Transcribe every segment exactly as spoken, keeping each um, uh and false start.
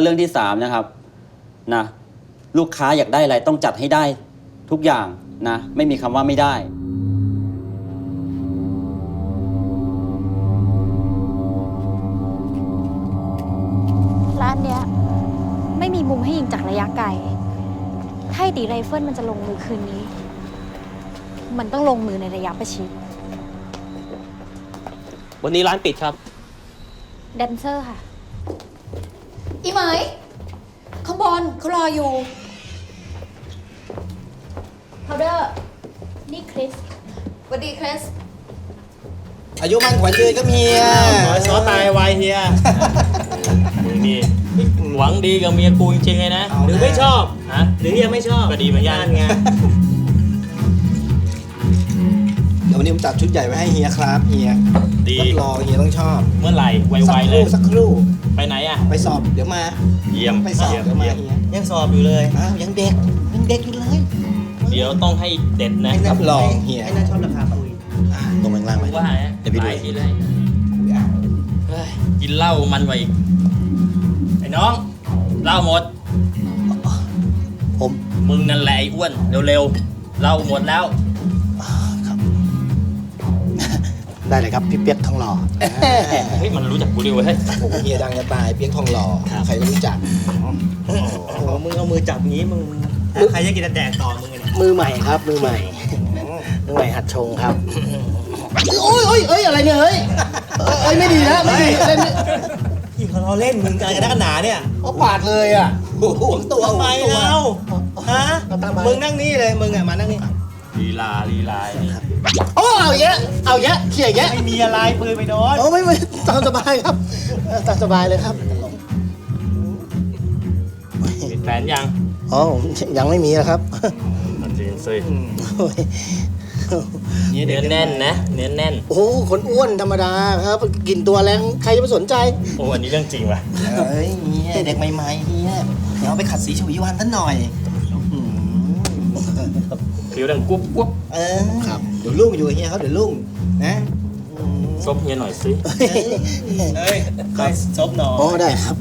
เรื่องที่สามนะครับนะลูกค้าอยากได้อะไรต้องจัดให้ได้ทุกอย่างนะไม่มีคำว่าไม่ได้ร้านเนี้ยไม่มีมุมให้ยิงจากระยะไกลถ้าตีไรเฟิลมันจะลงมือคืนนี้มันต้องลงมือในระยะประชิดวันนี้ร้านปิดครับแดนเซอร์ค่ะอีเหมยข้างบนเขารออยู่พาวเดอร์นี่คริสสวัสดีคริสอายุมันขวัญยืนก็มีอ่ะขอซอตายไวเฮียมึงนี่หวังดีกับเมียกูจริงๆเลยนะหรือไม่ชอบฮะหรือยังไม่ชอบก็ดีเหมือนกันไงเดี๋ยววันนี้ผมจัดชุดใหญ่ไว้ให้เฮียครับเฮียดีรอเฮียต้องชอบเมื่อไหร่ไวๆเลยสักครู่ไปไหนอ่ะไปสอบเดี๋ยวมาเยี่ยมไปสอบเดี๋ยวมาเฮียยังสอบอยู่เลยอ้าวยังเด็กยังเด็กอยู่เลยเดี๋ยวต้องให้เด็ดนะรับรองเฮียไอ้น่าชอบราคาคุยตรงข้างล่างไหมว่าเดี๋ยวพี่ดูทีเลยกินเหล้ามันไว้อีกไอ้น้องเหล้าหมดผมมึงนั่นแหละไอ้อ้วนเร็วๆเหล้าหมดแล้วครับได้เลยครับพี่เปียกทองหล่อเฮ้ยมันรู้จักกูดิเว้ยโอ้เฮียดังจะตายเปียกทองหล่อใครก็รู้จักโอ้โหมึงเอามือจับงี้มึงใครจะกินแดกต่อมึงเนี่ยมือใหม่ครับมือใหม่มือใหม่หัดชงครับโอ้ยโอ้ยเอ้ยอะไรเนี่ยเฮ้ยเอ้ยไม่ดีนะไม่ดีเล่นที่เขาล้อเล่นมึงกันกันนักหนาเนี่ยเขาปาดเลยอ่ะตัวไปแล้วฮะมึงนั่งนี่เลยมึงอ่ะมานั่งนี่ลีลาลีลาโอ้เอาเยอะเอาเยอะเขี่ยเยอะไม่มีอะไรปืนไปโดนโอ้ไม่ไม่ตามสบายครับตามสบายเลยครับมีแฟนยังอ๋อยังไม่มีนะครับจริงสิเนื้อแน่นนะเนื้อแน่นโอ้คนอ้วนธรรมดาครับกินตัวแรงใครจะไปสนใจโอ้อันนี้เรื่องจริงว่ะเฮ้ยเด็กใหม่ๆเฮียเดี๋ยวไปขัดสีชวีวันท่านหน่อยผิวดังกุ๊บกุ๊บเออครับเดี๋ยวลุงอยู่เฮียเขาเดี๋ยวลุงนะซบเฮียหน่อยสิเฮ้ยใครซบหน่อยโอ้ได้ครับ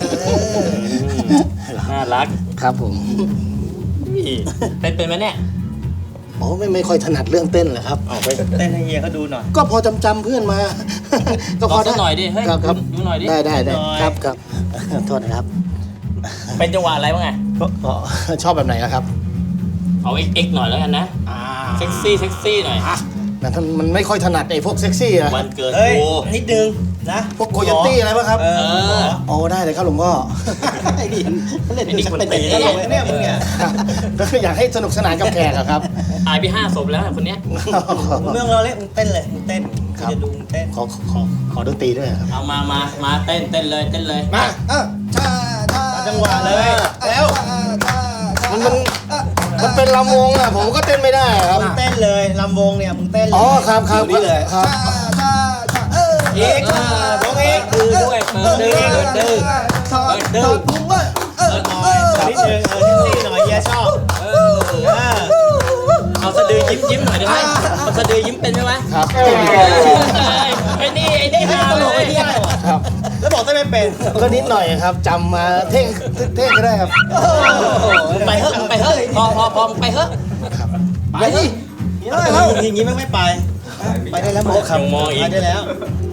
น่ารักครับผมเต้นเป็นไหมเนี่ยโอ้ไม่ไม่ค่อยถนัดเรื่องเต้นเลยครับเอาไปเต้นให้เฮียเขาดูหน่อยก็พอจำจำเพื่อนมาก็พอได้หน่อยดิเฮ้ยครับดูหน่อยดิได้ได้ได้ครับครับโทษนะครับเป็นจังหวะอะไรบ้างไงชอบแบบไหนล่ะครับเอาเอ็กซ์หน่อยแล้วกันนะเซ็กซี่เซ็กซี่หน่อยแต่ท่านมันไม่ค่อยถนัดไอ้พวกเซ็กซี่อะวันเกิดโอ้นิดนึงนะพวกโคโยตี้อะไรป่ะครับเออโอ้ได้เลยครับหลวงพ่อไอ้นี่เล่นดูสักเป็นเนี่ยเนี่ยมึงเนี่ยก็อยากให้สนุกสนานกับแขกครับอายไปห้าศพแล้วคนเนี้ยเมืองเราเล่นมึงเต้นเลยมึงเต้นจะดูมึงเต้นขอขอขอดนตรีด้วยครับเอามามามาเต้นเต้นเลยเต้นเลยมาเออชาชาจังหวะเลยแล้วมันมันมันเป็นลำวงอ่ะผมก็เต้นไม่ได้ครับมึงเต้นเลยลำวงเนี่ยมึงเต้นเลยอ๋อครับครับนี่เลยครับเอกวงเอกคือด้วยเปิดดื้อเปิดดื้อเปิดดื้อเออหน่อยนิดนึงเออนิดหน่อยเฮียชอบเออเอาสะดือยิ้มยิ้มหน่อยได้ไหมเอาสะดือยิ้มเป็นไหมครับไอ้นี่ไอ้นี่ฮาเลยครับแล้วบอกได้ไม่เป็นก็นิดหน่อยครับจำมาเท่งเท่งก็ได้ครับไปเฮ้ยไปเฮ้ยพอพอพอไปเฮ้ยไปดิอย่างนี้ไม่ไม่ไปไปได้แล้วมองมองอีกได้แล้ว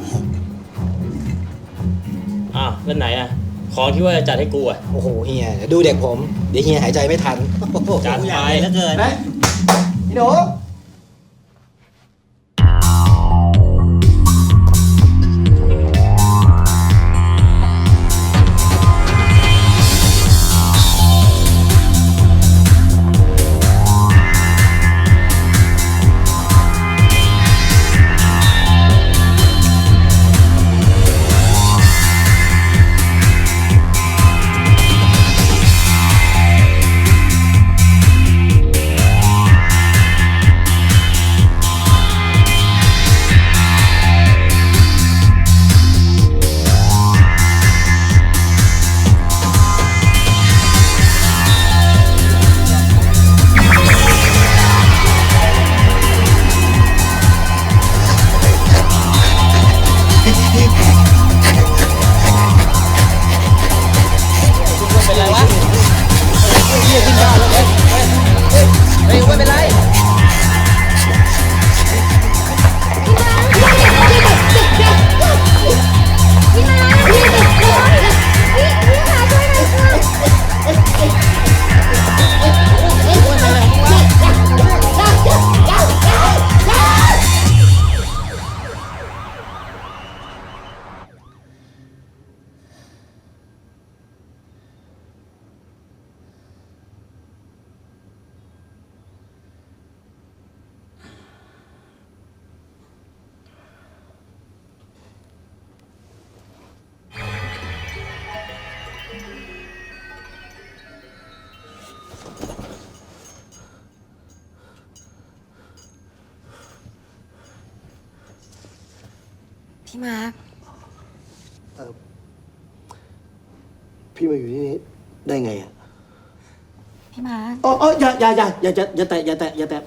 อ้าวแล้วไหนอ่ะของที่ว่าจะจัดให้กูอ่ะโอ้โหเฮียดูเด็กผมเดี๋ยวเฮียหายใจไม่ทันจัดไปแล้วเกินพี่หนูพี่มาร์คพี่มาอยู่ที่นี่ได้ไงอ่ะพี่มาร์คอ๋ออ๋ออย่าอย่าอย่าอย่าอย่าแตะอย่าแตะอย่าแตะ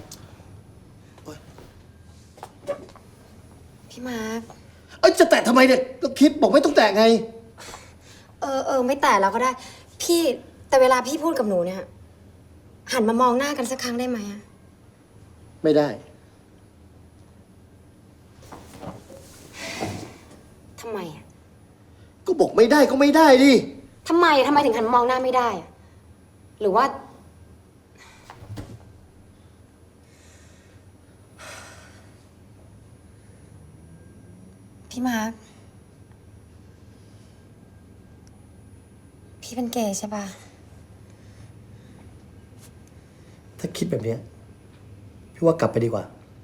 พี่มาร์คเอ้ยจะแตะทำไมเนี่ยก็คิดบอกไม่ต้องแตะไงเออเออไม่แต่แล้วก็ได้ พี่แต่เวลาพี่พูดกับหนูเนี่ย หันมามองหน้ากันสักครั้งได้ไหมอะไม่ได้ทำไมอะก็บอกไม่ได้ก็ไม่ได้ดิทำไมทำไมถึงหันมามองหน้าไม่ได้อะหรือว่า พี่มาร์คพี่เป็นเกย์ใช่ปะถ้าคิดแบบเนี้ยพี่ว่ากลับไปดีกว่า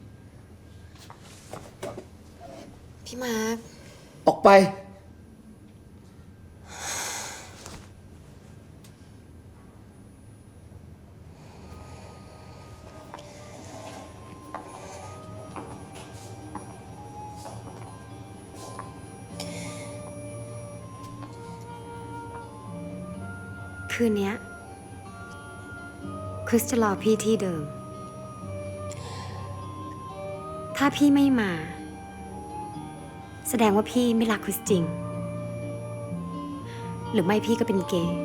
พี่มาร์คออกไปคืนเนี้ยคริสจะรอพี่ที่เดิม ถ้าพี่ไม่มา แสดงว่าพี่ไม่รักคริสจริง หรือไม่พี่ก็เป็นเกย์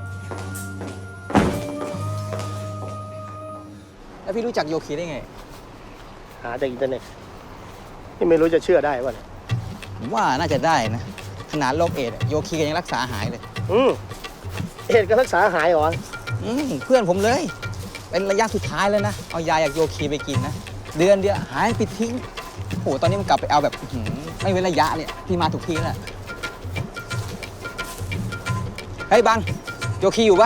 แล้วพี่รู้จักโยคีได้ไงหาจากอินเทอร์เน็ตนี่ไม่รู้จะเชื่อได้ป่ะเนี่ยผมว่าน่าจะได้นะ ขนาดโรคเอดส์โยคีก็ยังรักษาหายเลยอืมเอ็ดก็รักษาหายเหรออืมเพื่อนผมเลย เป็นระยะสุดท้ายแล้วนะ เอายาจากโยคีไปกินนะ เดือนเดียวหายปิดทิ้งโอ้โหตอนนี้มันกลับไปเอาแบบอื้อหือไม่เว้นระยะเนี่ยพี่มาถูกที่แล้วเฮ้ยบังโยคีอยู่ปะ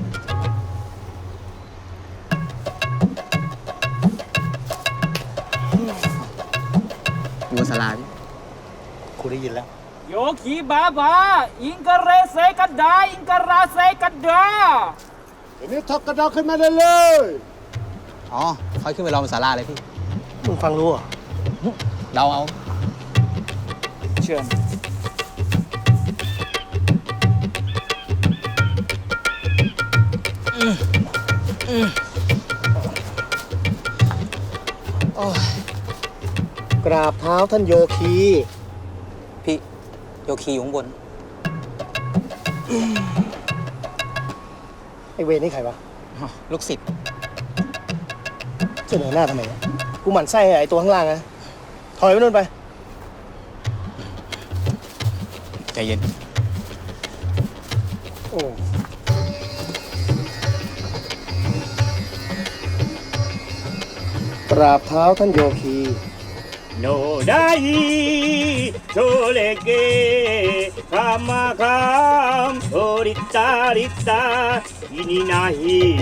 อยู่บนศาลาพี่กูได้ยินแล้วโยคีบาบา อิงกะเรเซกันดา อิงกะราเซกันดาเดี๋ยวนี้ทอกกระดอกขึ้นมาได้เลยอ๋อค่อยขึ้นไปรอบนศาลาเลยพี่มึงฟังรู้เหรอเราเอาเชิญกราบเท้าท่านโยคีพี่โยคีอยู่ข้างบนไอเวรนี่ใครวะอ๋อลูกศิษย์เสนอหน้าทำไมเนี่ยกูหมั่นไส้ไอตัวข้างล่างนะถอยไปนู่นไปใจเย็นโอ้กราบเท้าท่านโยคีโนไดโชเลเกคามาคามโอริตาริตาอินินาฮิ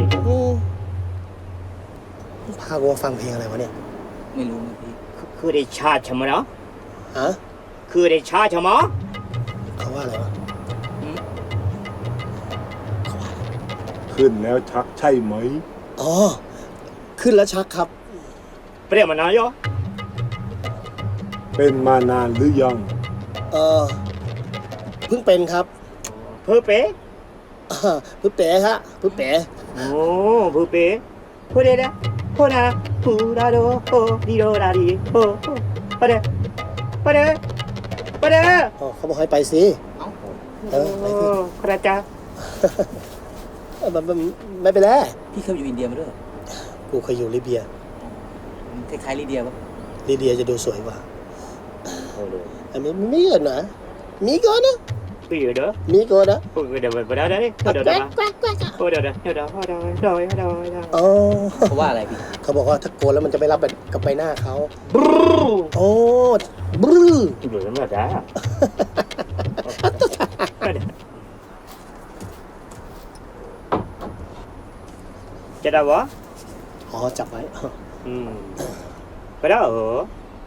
พากูมาฟังเพลงอะไรวะเนี่ยไม่รู้นะพี่คือได้ชาชะมะนะฮะคือได้ชาชะมะเขาว่าอะไรวะขึ้นแล้วชักใช่ไหมอ๋อ ขึ้นแล้วชักครับเปรี้ยมานายอเป็นมานานหรือยังเออเพิ่งเป็นครับเพอเปอ่าเพิ่งเป๋ฮะเพิ่งเป๋โอ้เพอเปพูดได้นะพูดนะพูดาโดโอดีโดดาดีโอปะเดปะเดปะเดอ๋อเขาบอกให้ไปสิ เออไปสิคราจ้าเออมันมันไม่เป็นไรพี่เคยอยู่อินเดียมาด้วยเหรอกูเคยอยู่ลิเบียคล้ายๆลิเดียปะลิเบียจะดูสวยกว่าอันนี้มีเกินนะมีเกินนะพี่เด้อมีเกินนะพูดเดี๋ยวไปได้ดิพูดเดี๋ยวแกเดี๋ล้ยวงแกล้งแกล้งพูดเดี๋ยวเดี๋ยวเดี๋ยวเดี๋ยวเดี๋ยวเดี๋ยวเดี๋ยวเดี๋ยวอ๋อเขาว่าอะไรพี่เขาบอกว่าถ้าโกนแล้วมันจะไม่รับกับใบหน้าเขาบรูโอ้บรื้อเหลือมาจ้าจะได้วะอ๋อจับไว้อืมไปได้เหรอ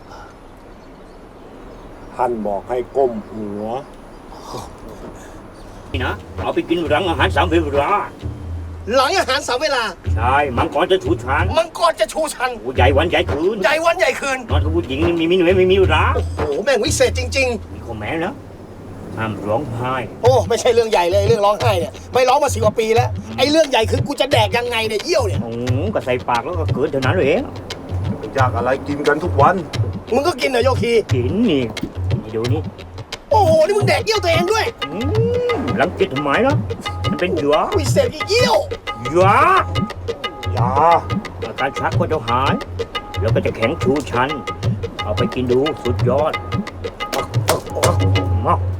ท่านบอกให้ก้มหัวนี่นะเอาไปกินรังอาหารสามเวลาหลังอาหารสามเวลาใช่มังกรจะชูชันมังกรจะชูชันโอ้ใหญ่วันใหญ่คืนใหญ่วันใหญ่คืนนอนกับผู้หญิงนี่มีมีหนุ่ยไม่มีร้าโอ้โหแม่งวิเศษจริงมีข้อแม้นะห้ามร้องไห้ๆ โอ้ไม่ใช่เรื่องใหญ่เลยเรื่องร้องไห้เนี่ยไม่ร้องมาสิบกว่าปีแล้วไอ้เรื่องใหญ่คือกูจะแดกยังไงเนี่ยเยี่ยวเนี่ยโอ้ก็ใส่ปากแล้วก็เกิดเท่านั้นเลยเองอยากอะไรกินกันทุกวันมึงก็กินเหรอโยคีกินนี่นี่ดูนี่โอ้โหนี่มึงแดกเยี่ยวตัวเองด้วยอืมหลังจิตทำไมล่ะมันเป็นเหยื่อวิเศษกี่เยี่ยวเหยื่อยาอาการชักก็จะหาย แล้วก็จะแข็งชูชัน เอาไปกินดูสุดยอดมาก